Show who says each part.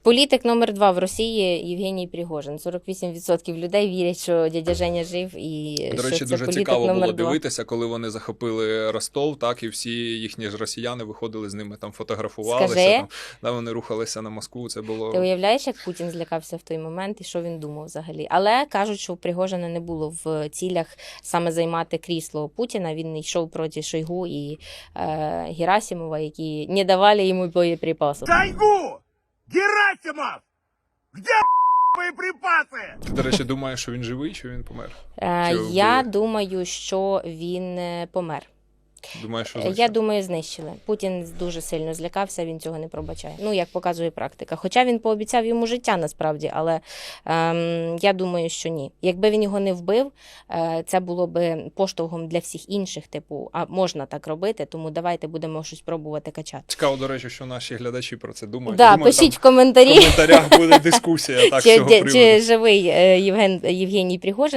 Speaker 1: Політик номер 2 в Росії Євгеній Пригожин. 48% людей вірять, що дядя Женя жив і
Speaker 2: До
Speaker 1: що
Speaker 2: речі,
Speaker 1: це
Speaker 2: дуже
Speaker 1: політик
Speaker 2: цікаво
Speaker 1: номер
Speaker 2: було
Speaker 1: 2.
Speaker 2: дивитися, коли вони захопили Ростов, так, і всі їхні ж росіяни виходили з ними, там фотографувалися,
Speaker 1: Скажи.
Speaker 2: там, да, вони рухалися на Москву, це було...
Speaker 1: Ти уявляєш, як Путін злякався в той момент і що він думав взагалі? Але кажуть, що у Пригожина не було в цілях саме займати крісло Путіна. Він йшов проти Шойгу і Герасимова, які не давали йому боєприпасів.
Speaker 3: Шойгу! Герасимов! Где боеприпасы?
Speaker 2: Ти, до речі, думаєш, що він живий, чи він помер? Чи
Speaker 1: Я
Speaker 2: вбили?
Speaker 1: думаю, що він помер.
Speaker 2: Думаєш, що
Speaker 1: Я
Speaker 2: знищили?
Speaker 1: думаю, знищили. Путін дуже сильно злякався, він цього не пробачає. Ну, як показує практика. Хоча він пообіцяв йому життя насправді, але я думаю, що ні. Якби він його не вбив, це було б поштовхом для всіх інших, типу, а можна так робити, тому давайте будемо щось пробувати качати.
Speaker 2: Цікаво, до речі, що наші глядачі про це думають.
Speaker 1: Да,
Speaker 2: Думаю,
Speaker 1: пишіть в
Speaker 2: там
Speaker 1: коментарі,
Speaker 2: в коментарях буде дискусія так, з цього приводу.
Speaker 1: чи живий Євгеній Пригожин.